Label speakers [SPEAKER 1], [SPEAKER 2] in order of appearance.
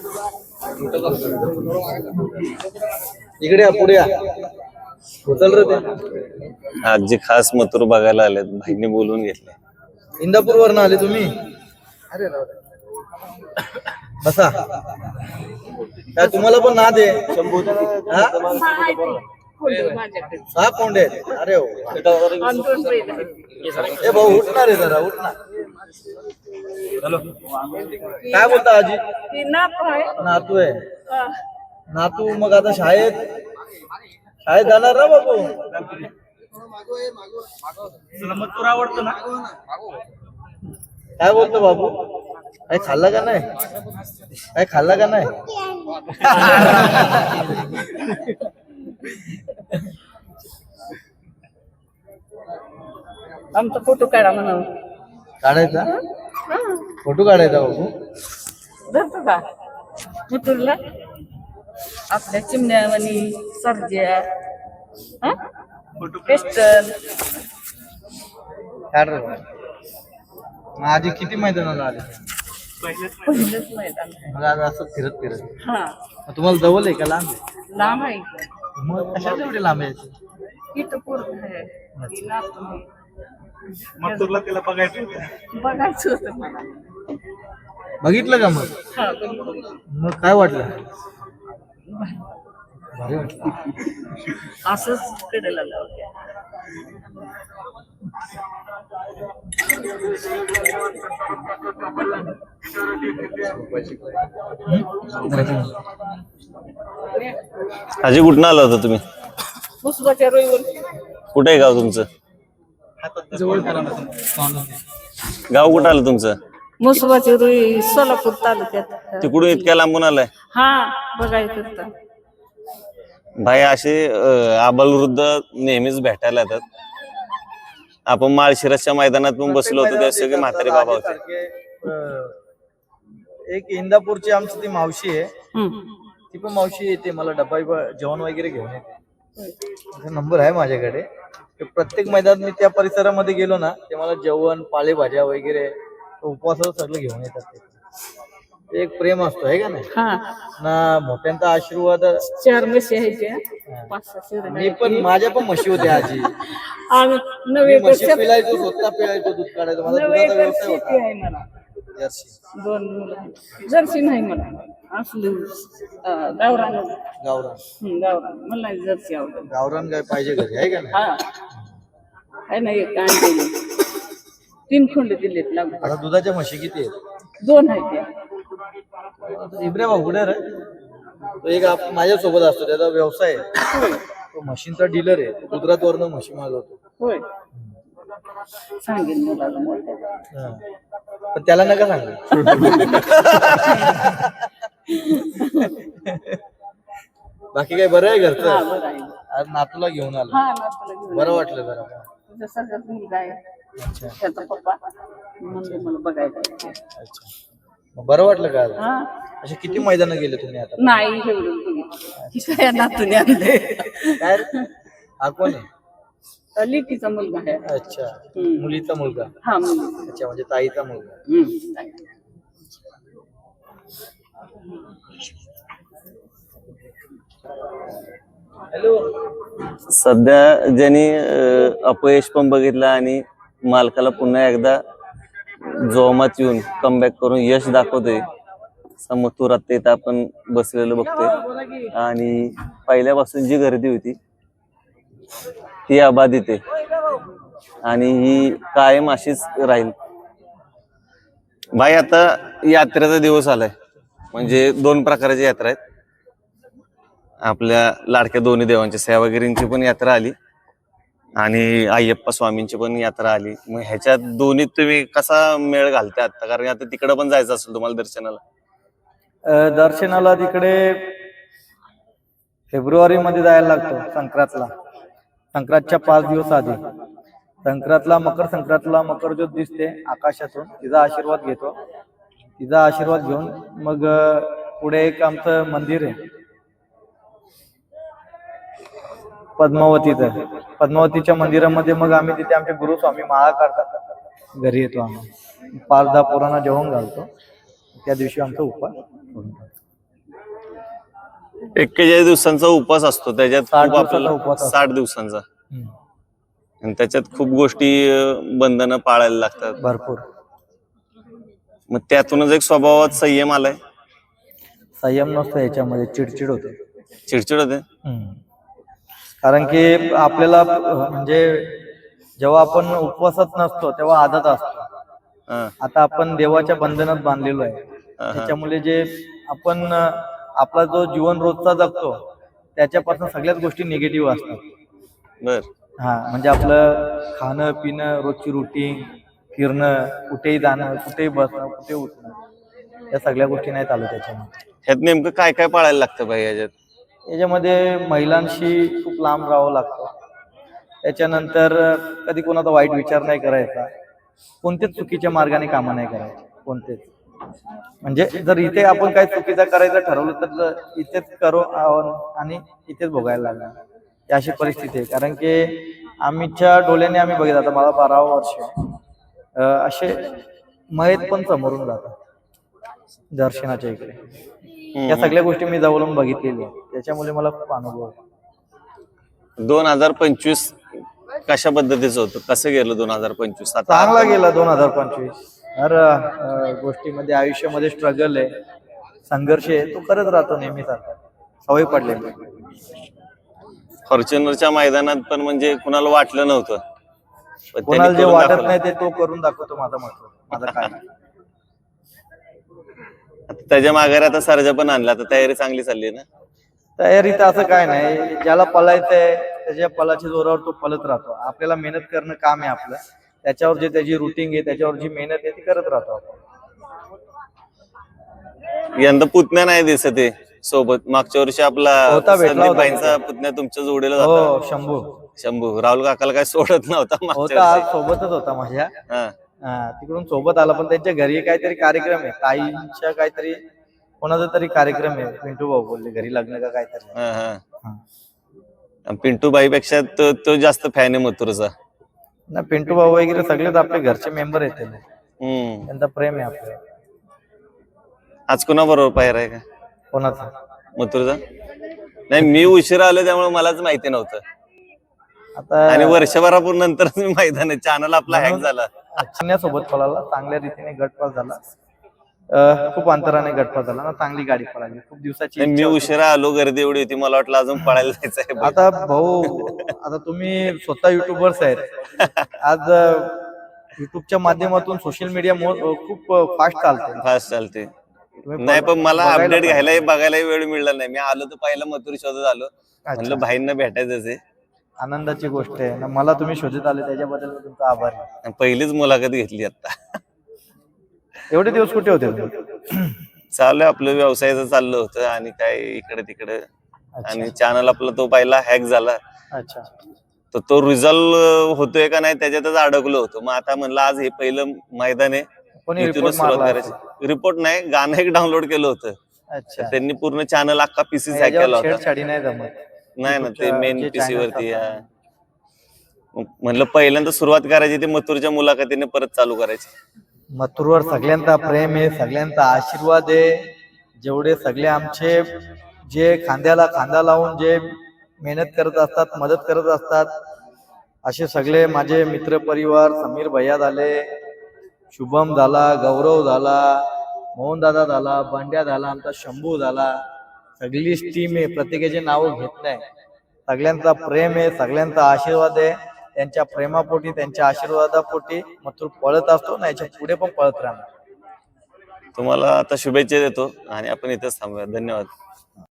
[SPEAKER 1] इकडे या, पुढे या. उचल रे ते.
[SPEAKER 2] आज जे खास मथुर बघायला आलेत भाईने बोलून घेतले.
[SPEAKER 1] इंदापूर वरनं आले तुम्ही? अरे बसा. काय तुम्हाला पण नाद आहे? सहा कोंडे आहेत. अरे हो. ए भाऊ उठणार आहे जरा, उठणार. काय बोलता आजी? नातू आहे. नातू मग आता शाळेत जाणार ना बाबू? मथुर आवडतं ना? काय बोलतो बाबू? काय खाल्ला का नाही? काय खाल्ला का नाही?
[SPEAKER 3] आमचा फोटो काढा म्हणा.
[SPEAKER 1] काढायचा? फोटो काढायचा बाबू?
[SPEAKER 3] धरतो का मथुरला? आपल्या चिमण्यावानी सर्ज्या पेस्टल
[SPEAKER 1] काढ रे बाबा. मग आधी किती मैदानाला आले?
[SPEAKER 3] पहिलंच मैदान.
[SPEAKER 1] मग आज असं फिरत फिरत.
[SPEAKER 3] हा
[SPEAKER 1] मग तुम्हाला जवळ आहे का लांब आहे?
[SPEAKER 3] लांब आहे.
[SPEAKER 1] मग कशाला एवढे लांब यायचे?
[SPEAKER 3] इथं पूर्ण आहे. ही नातू आहे.
[SPEAKER 1] मथुरला त्याला बघायचं
[SPEAKER 3] बघायचं होतं मला.
[SPEAKER 1] बघितलं का मग?
[SPEAKER 3] हा बघितलं.
[SPEAKER 1] मग काय वाटलं? भारी वाटलं.
[SPEAKER 3] असंच कडेला लावते.
[SPEAKER 2] आजी कुठं आला होता तुम्ही?
[SPEAKER 3] मुसबाच्या रोईवर.
[SPEAKER 2] कुठे आहे गाव तुमचं? गाव कुठं आलं तुमचं?
[SPEAKER 3] मुसबाची रोई सोलापूर तालुक्यात.
[SPEAKER 2] तिकडून इतक्या लांबून आलाय?
[SPEAKER 3] हा बघायचं होतं.
[SPEAKER 2] भाई असे आबालवृद्ध नेहमीच भेटायला येतात. आपण माळशिरसच्या मैदानात पण बसलो होतो तेव्हा सगळे म्हातारे बाबा होते.
[SPEAKER 1] एक इंदापूरची आमची ती मावशी आहे. ती पण मावशी येते, मला डब्बा जेवण वगैरे घेऊन येते. नंबर आहे माझ्याकडे. प्रत्येक मैदानात मी त्या परिसरामध्ये गेलो ना ते मला जेवण, पालेभाज्या वगैरे उपवासाचं सगळं घेऊन येतात. ते एक प्रेम असतो आहे का नाही ना? मोठ्यांचा आशीर्वाद.
[SPEAKER 3] 4 म्हशी आहेत. 5-6
[SPEAKER 1] मी पण, माझ्या पण म्हशी होत्या आजी.
[SPEAKER 3] नवे
[SPEAKER 1] म्हशी पिळायचो, स्वतः पिळायचो, दूध काढायचो. माझा दुधाचा व्यवसाय होता. जर्सी.
[SPEAKER 3] 2 मुलं. जर्सी नाही मला. असलं गावरान. गावरान मला नाही जर्सी आवडत.
[SPEAKER 1] गावरान गाय पाहिजे घरी आहे का नाही?
[SPEAKER 3] आहे ना. एक आणलेली 3 खोंड दिलेत लागून.
[SPEAKER 1] आता दुधाच्या म्हशी किती आहेत?
[SPEAKER 3] 2 आहेत त्या.
[SPEAKER 1] इब्रे भाऊ कुठे रे? तो एक माझ्या सोबत असतो, त्याचा व्यवसाय आहे. तो म्हशींचा डीलर आहे. गुजरात वरनं म्हशी मागवतो.
[SPEAKER 3] होय. सांगेल मुलाला मोठ्या.
[SPEAKER 1] पण त्याला नका सांगू. बाकी काय बरं आहे घरचं? आज नातूला घेऊन आलो. बरं वाटलं जरा.
[SPEAKER 3] तुझा सगळ्यात मुलगा आहे. त्याचा पप्पा म्हणजे मला बघायचं.
[SPEAKER 1] अच्छा. मग बरं वाटलं का? असे किती मैदानं गेले तुम्ही आता?
[SPEAKER 3] नाही एवढं बघितलं. नातूने आणले.
[SPEAKER 1] काय हा कोण आहे?
[SPEAKER 3] लिकीचा मुलगा आहे.
[SPEAKER 1] अच्छा. मुलीचा मुलगा?
[SPEAKER 3] हा मुलगा.
[SPEAKER 1] अच्छा, म्हणजे ताईचा मुलगा. हॅलो.
[SPEAKER 2] सध्या ज्यांनी अपयश पण बघितलं आणि मालकाला पुन्हा एकदा जोमात येऊन कमबॅक करून यश दाखवतोय मथुर. आता इथं आपण बसलेलं बघतोय आणि पहिल्यापासून जी गर्दी होती ती अबाधित आहे आणि ही कायम अशीच राहील. भाई आता यात्रेचा दिवस आलाय. म्हणजे 2 प्रकारची यात्रा आहेत. आपल्या लाडक्या दोन्ही देवांच्या सेवागिरींची पण यात्रा आली आणि अय्यप्पा स्वामींची पण यात्रा आली. मग ह्याच्यात दोन्ही तुम्ही कसा मेळ घालता आता? कारण आता तिकडे पण जायचं असेल तुम्हाला दर्शनाला.
[SPEAKER 1] दर्शनाला तिकडे फेब्रुवारी मध्ये जायला लागतो. संक्रांतला, संक्रांतच्या 5 दिवस आधी. संक्रांतला, मकर संक्रांतला मकर ज्योत दिसते आकाशातून. तिचा आशीर्वाद घेतो. तिचा आशीर्वाद घेऊन मग पुढे एक आमचं मंदिर आहे पद्मावतीचं. पद्मावतीच्या मंदिरामध्ये मग आम्ही तिथे आमचे गुरु स्वामी माळा काढतात. घरी येतो आम्ही 5-10 पोरांना जेवण घालतो. त्या दिवशी आमचा उपवास.
[SPEAKER 2] 41 दिवसांचा उपवास असतो, त्याच्यात
[SPEAKER 1] 60
[SPEAKER 2] खूप आपल्याला
[SPEAKER 1] दिवसाचा उपवास असतो.
[SPEAKER 2] 60 दिवसांचा, आणि त्याच्यात खूप गोष्टी बंधनं पाळायला लागतात.
[SPEAKER 1] भरपूर
[SPEAKER 2] मग त्यातूनच एक स्वभावात संयम आलाय.
[SPEAKER 1] संयम नसतो याच्यामध्ये, चिडचिड होते.
[SPEAKER 2] चिडचिड होते.
[SPEAKER 1] कारण की आपल्याला म्हणजे जेव्हा आपण उपवासात नसतो तेव्हा आदत असतो.
[SPEAKER 2] हा,
[SPEAKER 1] आता आपण देवाच्या बंधनात बांधलेलो आहे. त्याच्यामुळे जे आपण आपला जो जीवन रोजचा जगतो त्याच्यापासून सगळ्याच गोष्टी निगेटिव्ह असतात.
[SPEAKER 2] बर.
[SPEAKER 1] हा, म्हणजे आपलं खाणं पिणं, रोजची रुटीन, फिरणं, कुठेही जाणं, कुठेही बसणं, कुठे उठणं, या सगळ्या गोष्टी नाही चालू त्याच्यामध्ये.
[SPEAKER 2] ह्यात नेमकं काय काय पाळायला लागतं भाई याच्यात?
[SPEAKER 1] याच्यामध्ये महिलांशी खूप लांब राहावं लागतं. त्याच्यानंतर कधी कोणाचा वाईट विचार नाही करायचा, कोणतेच चुकीच्या मार्गाने कामं नाही करायचे, कोणतेच. म्हणजे जर इथे आपण काही चुकीचं करायचं ठरवलं तर इथेच करू आणि इथेच भोगायला लागणार, ही अशी परिस्थिती आहे. कारण की आमच्या डोळ्याने आम्ही बघितलं, आता मला 12 वर्ष असे मयत पण समोरून जातात दर्शनाच्या इकडे. या सगळ्या गोष्टी मी जवळून बघितलेल्या, त्याच्यामुळे मला खूप अनुभव आहे.
[SPEAKER 2] 2025 कशा पद्धतीचं होतं, कसं गेलं 2025?
[SPEAKER 1] चांगला गेला 2025. हर गोष्टीमध्ये आयुष्यामध्ये स्ट्रगल आहे, संघर्ष आहे, तो करत राहतो नेहमीच. आता सवय पडलेली.
[SPEAKER 2] फॉर्च्युनरच्या मैदानात पण म्हणजे कुणाला वाटलं नव्हतं, पण त्यांनी
[SPEAKER 1] कोणाला जे
[SPEAKER 2] करून
[SPEAKER 1] वाटत
[SPEAKER 2] दाखवलं.
[SPEAKER 1] नाही ते तो करून दाखवतो. माझा महत्व, माझा काय.
[SPEAKER 2] आता त्याच्या माघारी आता सर्जा पण आणला, आता तयारी चांगली चालली आहे ना?
[SPEAKER 1] तयारी तर असं काय नाही, ज्याला पळायचंय त्याच्या पळाच्या जोरावर तो पळत राहतो. आपल्याला मेहनत करणं काम आहे आपलं, त्याच्यावर जे त्याची रुटीन आहे, त्याच्यावर जी मेहनत आहे ती करत राहतो आपण.
[SPEAKER 2] यंदा पुतण्या नाही दिसत आहे सोबत. मागच्या वर्षी आपला
[SPEAKER 1] होता, भेटला
[SPEAKER 2] संदीप
[SPEAKER 1] होता.
[SPEAKER 2] भाईंचा पुतण्या तुमच्या जोडीला होता.
[SPEAKER 1] हो, शंभू
[SPEAKER 2] शंभू. राहुल काकाला काय सोडत नव्हता मागच्या
[SPEAKER 1] होता, आज
[SPEAKER 2] वर्षी.
[SPEAKER 1] सोबतच होता माझ्या.
[SPEAKER 2] हा.
[SPEAKER 1] तिकडून सोबत आला, पण त्यांच्या घरी काहीतरी कार्यक्रम आहे, ताईंच्या काहीतरी, कोणाचा तरी कार्यक्रम आहे. पिंटू भाऊ बोलले घरी लग्न का काहीतरी.
[SPEAKER 2] हा, हा. पिंटू बाईपेक्षा तो जास्त फॅन आहे मथुरचा.
[SPEAKER 1] ना, पिंटू भाऊ वगैरे सगळेच आपले घरचे मेंबर आहेत,
[SPEAKER 2] हम्म.
[SPEAKER 1] त्यांचा प्रेम आहे आपल्याला.
[SPEAKER 2] आज कुणा बरोबर पाहिर आहे का
[SPEAKER 1] कोणाचा?
[SPEAKER 2] मथुरचा? नाही, मी उशिरा आलो त्यामुळे मलाच माहिती नव्हतं.
[SPEAKER 1] आता
[SPEAKER 2] आणि वर्षभरापूर नंतर मी मैदान चॅनल आपला हॅक झाला.
[SPEAKER 1] चिन्यासोबत पळाला, चांगल्या रीतीने गटपास झाला. खूप अंतराने गटपास झाला ना, चांगली गाडी पळाली. खूप दिवसाची
[SPEAKER 2] नाही, मी
[SPEAKER 1] इच्छा होती.
[SPEAKER 2] उशिरा आलो, गर्दी एवढी होती, मला वाटलं अजून पळायला जायचंय.
[SPEAKER 1] आता भाऊ, आता तुम्ही स्वतः युट्यूबर्स आहेत. आज युट्यूबच्या माध्यमातून सोशल मीडिया खूप फास्ट चालते.
[SPEAKER 2] फास्ट चालते.
[SPEAKER 1] तुम्ही
[SPEAKER 2] नाही, पण मला
[SPEAKER 1] बघायला
[SPEAKER 2] अपडेट
[SPEAKER 1] पाहिजे.
[SPEAKER 2] घ्यायला बघायला वेळ मिळाला नाही. मी आलो तर पहिला मथुर शोधत आलो, म्हणलं भाईंना भेटायचंच आहे.
[SPEAKER 1] आनंदाची गोष्ट आहे ना, मला तुम्ही शोधत आले त्याच्याबद्दल मी तुमचा आभारी आहे.
[SPEAKER 2] पहिलीच मुलाखत घेतली आता.
[SPEAKER 1] एवढे दिवस कुठे होते तुम्ही?
[SPEAKER 2] चालू आपलं व्यवसायाचं चाललं होतं आणि काय इकडे तिकडे. आणि चॅनल आपला तो पहिला हॅक झाला,
[SPEAKER 1] अच्छा.
[SPEAKER 2] तर तो रिझल्ट होतोय का नाही त्याच्यातच अडकलो होतो. मग आता म्हणलं आज हे पहिलं मैदान आहे,
[SPEAKER 1] कोणी
[SPEAKER 2] इथूनच
[SPEAKER 1] रिपोर्ट
[SPEAKER 2] सुरुवात
[SPEAKER 1] मारला
[SPEAKER 2] करायची. रिपोर्ट नाही, गाणं एक डाउनलोड केलं होतं.
[SPEAKER 1] अच्छा.
[SPEAKER 2] त्यांनी पूर्ण चॅनल अख्खा पीसी हॅक
[SPEAKER 1] याच्यावर
[SPEAKER 2] केला होता.
[SPEAKER 1] छेडछाडी नाही जमत.
[SPEAKER 2] नाही ना, ते मेन
[SPEAKER 1] जे
[SPEAKER 2] पीसी
[SPEAKER 1] channels
[SPEAKER 2] वरती.
[SPEAKER 1] असतात.
[SPEAKER 2] म्हणलं पहिल्यांदा सुरुवात करायची ते मथुरच्या मुलाखतीने परत चालू करायची.
[SPEAKER 1] मथुरवर सगळ्यांचा प्रेम आहे, सगळ्यांचा आशीर्वाद आहे. जेवढे सगळे आमचे जे खांद्याला खांदा लावून जे मेहनत करत असतात, मदत करत असतात, असे सगळे माझे मित्र परिवार, समीर भैया झाले, शुभम झाला, गौरव झाला, मोहन दादा झाला, बंड्या झाला, आमचा शंभू झाला, सगळीच टीम आहे. प्रत्येकाचे नाव घेत नाही. सगळ्यांचा प्रेम आहे, सगळ्यांचा आशीर्वाद आहे. त्यांच्या प्रेमापोटी, त्यांच्या आशीर्वादापोटी मथुर पळत असतो ना, याच्या पुढे पण पळत राहणार.
[SPEAKER 2] तुम्हाला आता शुभेच्छा देतो आणि आपण इथेच थांबूया. धन्यवाद.